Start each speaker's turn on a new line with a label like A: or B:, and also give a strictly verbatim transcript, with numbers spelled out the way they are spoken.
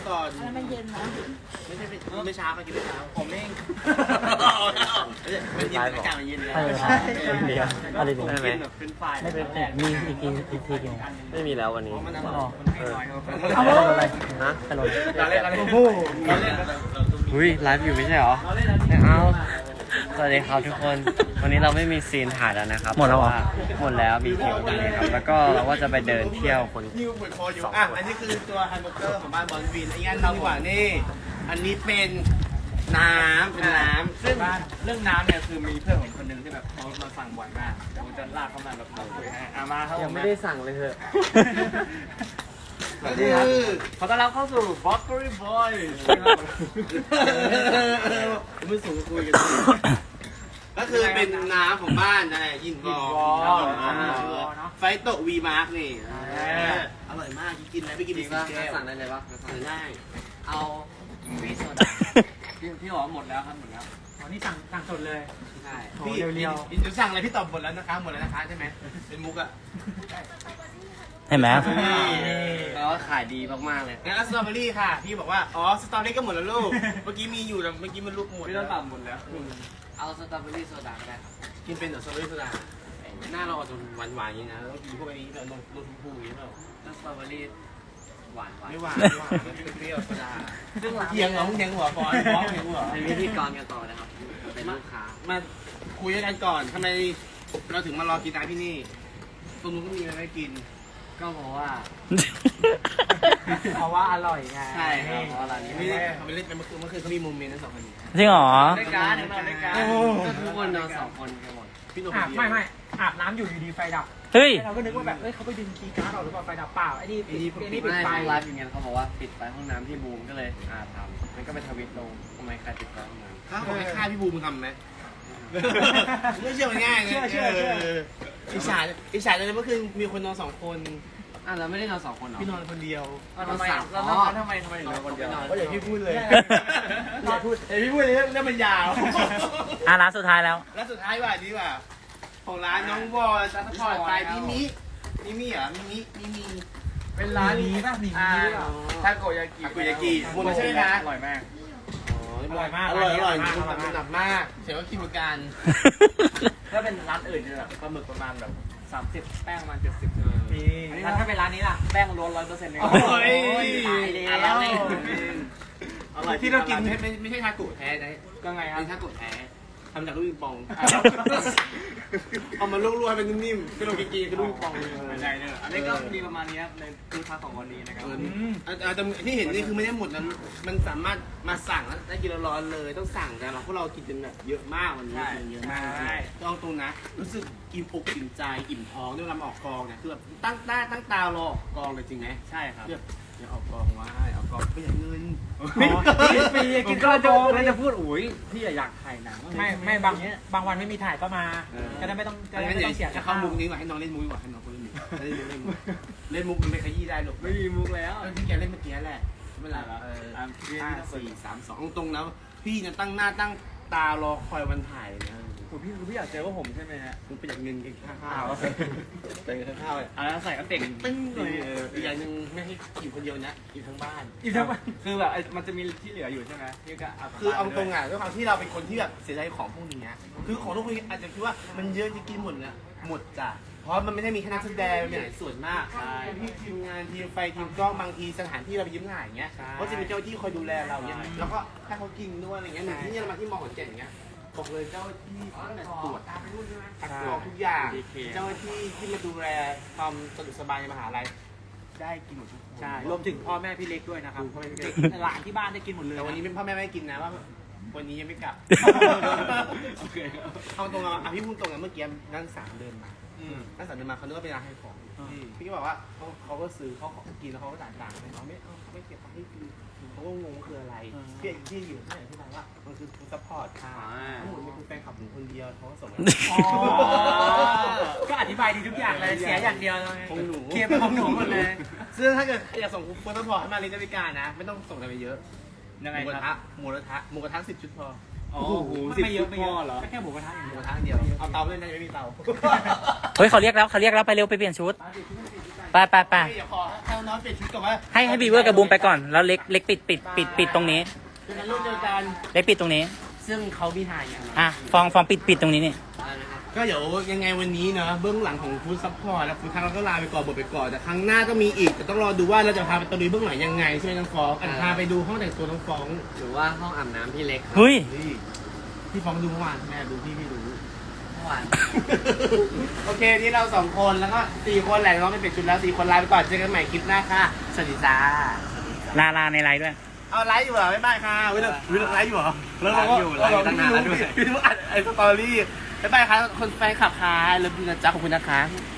A: ก่อน
B: แล้วมันเย็นนะ
A: ไม่ใช่ไม่เช้าเขากินไม่เช้าผมเองมันเย็นอากาศมันเย็นแล้ว
C: เออเดียวอะไร
A: ผม
C: ดี
A: กินแบบเป็นไฟ
C: ไม่เป็นมีอีกทีอีกทีกิน
D: ไม่มีแล้ววันนี้
A: มันอ
C: อ๋
A: ร่
C: อ
A: อย
C: เออเอาอะไรฮะตลก
A: เราเล่นเราเล่น
C: โอ้โห
A: เราเล่น
D: อุ้ยไลฟ์อยู่ไม่ใช่เหรอไม่เอาสวัสดีครับทุกคน วันนี้เราไม่มีซีนถ่ายแล้วนะครับ
C: หมดแล้วเหรอ
D: หมดแล้วมีคิวตอนนี้ครับ แล้วก็เราก็จะไปเดินเที่ยวคน
A: ฮิวเหมือนคออยู่อ่ะอันนี้คือตัวแฮมเบอร์เกอร์ของบ้านบอลวินไอ้งั้นเราดีกว่านี่อันนี้เป็นน้ำเป็นน้ำซึ่ง
E: เรื่องน้ำเนี่ยคือมีเพื่อนผมคนหนึ่งที่แบบเขามาสั่งบ่อยมากผมจะลากเข้ามาแบบเราคุยให้อามาครับ
D: ยังไม่ได้สั่งเลยเถอะ
A: ก็คือ
E: ขอต้อนรับเข้าสู่ b o k e r y Boy
A: ไม่สูงคุยกันก็คือเป็นน้ำของบ้านนะยินบอไฟโตวีมาร์กนี่อร่อยมากกินแล้วไปกิน
D: จริ
A: อี
D: ง
A: ก
D: ป่ะ
A: แก้ว
D: สั่งได้เลยปะสั่ง
A: ได้
D: เอาวีโซดา
E: พี่พี่บอกว่าหมดแล้วครับหมดแล้ว
C: อ๋อนี่สั่งสั่งสดเลย
D: ใช่
A: พี่เรียวๆจะสั่งอะไรพี่ตอบหมดแล้วนะคะหมดแล้วนะคะใช่ไหมเป็นมุกอะ
C: เห็นไหม
D: แปลว่าขายดีมากๆเลย
A: งั้นสตรอเบอรี่ค่ะพี่บอกว่าอ๋อสตรอเบอรี่ก็หมดแล้วลูกเมื่อกี้มีอยู่แต่เมื่อกี้มันลูกหมด
E: พี่ต้องตับหมดแล้ว
D: เอาสตรอเบอรี่โซดาก็ได้ครับ
A: กินเป็นสตรอเบอรี่โซดาหน้าเราอาจจะหวานๆอย่างนี้นะต้องกินพวกนี้แบบนมนมชมพูอย่างนี้เปล่า
D: แล้วสตรอเบอรี่หวานหวาน
A: ไม่หวานไม่หวานเปรี้ยวโซดา
D: ซึ่งร้าน
A: เทียงเหรอเทียงหัวฟอนฟ้องเทียงหัว
D: เป็นพิธีกรกันต่อนะครับ เป็นลูกค้า
A: มาคุยกันก่อนทำไมเราถึงมารอกินร้านที่นี่ตรงนู้นก็มีอะไรให้กิน
D: ก็เพราะว่า
C: เพราะว่าอร่อยไง
D: ใช่ครับเพราะว่าร้านนี้
A: ไม่ได้เขาไปเล่นกันเมื่อคืนเมื่อคืนเขามีโมเมนต์ทั้งสองคนนี้
C: จริงเหรอ
D: รายการนอนรายการก็ทุกคนนอนสองคนกันหมด
A: พี่โน
C: อาบไม่ไม่อาบน้ำอยู่อยู่ดีไฟดับ
F: เฮ้ย
C: เราก็นึกว่าแบบเอ้ยเขาไปดึงคีย์การ์ดออกหรือเปล่าไฟดับเปล่าไอ้นี่ปิดไอ้นี่ปิด
D: ไม่
C: ไฟ
D: เขาไลฟ์อย่างเงี้ยเขาบอกว่าปิดไฟห้องน้ำที่บูมก็เลยอ่าทำมันก็ไปทวิตลงทำไมใครปิดไฟห้องน้ำ
A: ถ้าผมให้ค่าพี่บูมทำไหมไม่เชื่อมันง่ายไงอิจฉาอิจฉาเลยเมื่อคืนมีคนนอนสองคน
D: อ่ะเราไม่ได้นอนสองคนเหรอ
A: พี่นอนคนเดียว
E: ทำไมแล้วทำไมทำไมถึงนอนคนเดียว
A: ก็อย่างพี่พูดเลยอย่าพูดเอ้พี่พูดเลยเรื่องมันยาว
F: อ่ะร้านสุดท้ายแล้ว
A: แล้วสุดท้ายว่าดีกว่าของร้านน้องวอลซัพพอร์ตไปมิมิมิมิเหรอมิมิมิมิ
E: เป็นร้าน
C: มีป่ะมี
E: อ่า
C: มีหรือเปล่า
E: ทาโกยากิ
A: ทาโกยากิหมดแล้วใช่ไหมคะ
E: อร่อยมาก
C: อร่อยมาก
A: อร่อยอร่อย
C: อร่อยมาก
A: มันหนักมากเสียว่าคิดเหมือนกัน
E: ถ้าเป็นร้านอื่นเนี่ยแบบปลาหมึกประมาณแบบสามสิบแป้งประมาณเจ็ดสิบ
C: มีแล้วถ้าเป็นร้านนี้ล่ะ
E: แป้งล้วนร้อยเปอร์เซ็นต์เลย
A: โอ้ย
C: ตายแล้ว
A: อร่อยที่เรากินไม่ไม่ไม่ใช่ทาโกะแท้นะ
E: ก็ไงครับ
A: เป็นทาโกะแท้ทำจากลูกปิงปองเอามาลวกๆให้เป็นนิ่มๆเป็นโลกิกิคือลูกปิงปอง
E: ไม่ได้เนี่ยอันนี้ก็มีประมาณนี้ครับในคือค้าของวันนี้นะครับ
A: อาจจะที่เห็นนี่คือไม่ได้หมดนะมันสามารถมาสั่งแล้วได้กินร้อนๆเลยต้องสั่งแต่เราพวกเรากินกันแบบเยอะมากวันนี้กินเยอะมากต้องตรงนะรู้สึกอิ่มอกอิ่มใจอิ่มท้องด้วยลำออกกองเนี่ยคือแบบตั้งตาตั้งตารอออกกองเลยจริงไหม
E: ใช่ครับ
A: แบบอย่าออกกองไว้ออกกองไม่อยากเงิน
C: ฟรี
E: กิ
C: กิ
E: น
C: น
E: ก็
C: ข้าว
E: จะ
C: โพด
E: แล้วจะพูดอุ้ยพี่อยากถ่ายหนัง
C: ไม่ไม่บางบางวันไม่มีถ่ายก็มาจะได้ไม่ต้องจะได้
A: งั้น
C: ไม่
A: เดี๋ย
C: ต้
A: ว
C: องเสีย
A: จะ
C: ค่า
A: เข้ามุกนี้ว่ะให้น้องเล่นมุกดีกว่าให้น้องเขาเล่นมุกเล่นมุกเล่นมุกเล่นมุกมันไปขยี้ได้หรอก
E: ไม่มีมุกแล้ว
A: ที่แกเล่นเมื่อกี้แหละไม่เป็นไรหรอกห้าสี่สามสองตรงๆนะพี่เนี่ยตั้งหน้าตั้งตารอคอยวันถ่ายเลยนะ
E: คุณพี่คุณพี่อยากเจอว่าผมใช่ไหมฮะ
A: มึงประหยัดเงินกินค่าข้าวเป็นค่าข้าวเลย
E: อ่าใส่ก็เต่ง
A: ตึ้งเลยอีกอย่างหนึ่งไม่ให้กินคนเดียวนะกินทั้งบ้าน
C: อีกทั้งวัน
E: คือแบบมันจะมีที่เหลืออยู่ใช่ไหมพี่ก็เอา
A: คือเอาตรงอ่ะด้วยความที่เราเป็นคนที่แบบเสียใจของพวกนี้นะคือของทุกคนอาจจะคิดว่ามันเยอะจะกินหมดเนี่ยหมดจ้ะเพราะมันไม่ได้มีแค่นักแสดงมันมีหลายส่วนมากที่ทีมงานทีมไฟทีมกล้องบางทีสถานที่เราไปยืมถ่ายอย่างเงี้ยก็จะมีเจ้าที่คอยดูแลเราเงี้ยแล้วก็ให้เขากินด้วยอะไรเงี้ยเหมือนที่นี่เรามาที่มอขอนแก่นอย่างเงี้ยบอกเลยเจ้าที่ตั้งแต่ตรวจคัดกรองทุกอย่างเจ้าหน้าที่ที่มาดูแลความสะดวกสบายในมหาลัยได้กินหมดทุกคน
C: ใช่รวมถึงพ่อแม่พี่เล็กด้วยนะครับหลานที่บ้านได้กินหมดเลย
A: แต่วันนี้เป็นพ่อแม่ไม่ให้กินนะว่าวันนี้ยังไม่กลับ
E: โอเค
A: เอาตรงๆอ่ะพี่พูดตรงกันเมื่อกี้นั่งสามเดินมานั่งสามเดินมาเขาคิดว่าเป็นร้านให้ของพี่ก็บอกว่าเขาเขาก็ซื้อเขากินแล้วเขาก็จ่ายตังค์เขาไม่เอาเขาไม่เก็บให้ฟรีเขาก็งงคืออะไรพี่ที่อยู่ที่ไหนที่ไหนว่ามันคือฟู้ดซัพพอร์ตค่ะทั้งหมดมันคือแฟนคลับของคนเดียวเขาก็ส่งมา
C: ก็อธิบายดีทุกอย่างเลยเสียอย่างเดียว
A: ของหนู
C: เคลียร์เป็นของหนูหมดเลย
A: ซึ่งถ้าเกิดอยากส่งฟู้ดซัพพอร์ตให้มาลินดาวิกานะไม่ต้องส่งอะไรไปเยอะ
E: ยังไง
A: หมูกระ
E: ครั
A: ทะ
E: บ
A: หมูกระทะหมูกระทะสิบชุดพอ
E: โอ้โห
C: ไม่เยอะไม่เยอะ
E: เหรอ
C: แค่หมูกระทะอย่าง
A: หมู
C: เดียว
A: กระทะเดียวเอาเตาเลยนะไม่มีเตา
F: เฮ้ยเขาเรียกแล้วเขาเรียกแล้วไปเร็วไปเปลี่ยนชุด
C: ไ
F: ไปไปไป
A: เดี๋ยวขอให้น้องเปลี่ยนชุดก่อนว่า
F: ให้ให้บีเวอร์กับบูมไปก่อน แล้วเล็กเล็กปิดปิดปิดปิดตรงนี้
A: เป็นรุ่นเดียวกัน
F: เล็กปิดตรงนี้
D: ซึ่งเขามีถ่ายอย่าง
F: อ่ะฟองฟองปิดปิดตรงนี้นี่
A: ก็เดี๋ยวยังไงวันนี้เนาะเบื้องหลังของฟู้ดซัพพอร์ตและฟู้ดทักเราก็ลาไปก่อนบทไปก่อนแต่ครั้งหน้าก็มีอีกแต่ต้องรอดูว่าเราจะพาไปตะลุยเบื้องหลังยังไงใช่ไหมน้องฟองอันพาไปดูห้องแต่งตัวน้องฟอง
D: หรือว่าห้องอาบน้ำพี่เล็กครับ
F: เฮ้ย
A: นี่พี่ฟองดูเมื่อวานแม่ดูพี่พี่รู้
D: เมื่อวาน
A: โอเคนี่เราสองคนแล้วก็สี่คนแหละน้องไม่เป็นชุดแล้วสี่คนลาไปก่อนเจอกันใหม่คลิปหน้าค่ะสวัสดีจ้า
F: ลาลาในไลน์ด้วย
A: เอาไลฟ์อยู่เหรอบ๊ายบายค่ะวิลวิลไลฟ์อยู่เหรอแล้วเราก็
E: ไลฟ์อยู่ไลฟ์อยู่ตั้งนานแล้วด้วย
A: พี่รู้อัดไอ้สตอรี่บ๊ายบายค่ะคนแฟนคลับค่ะเลิฟยูนะจ๊ะขอบคุณนะคะ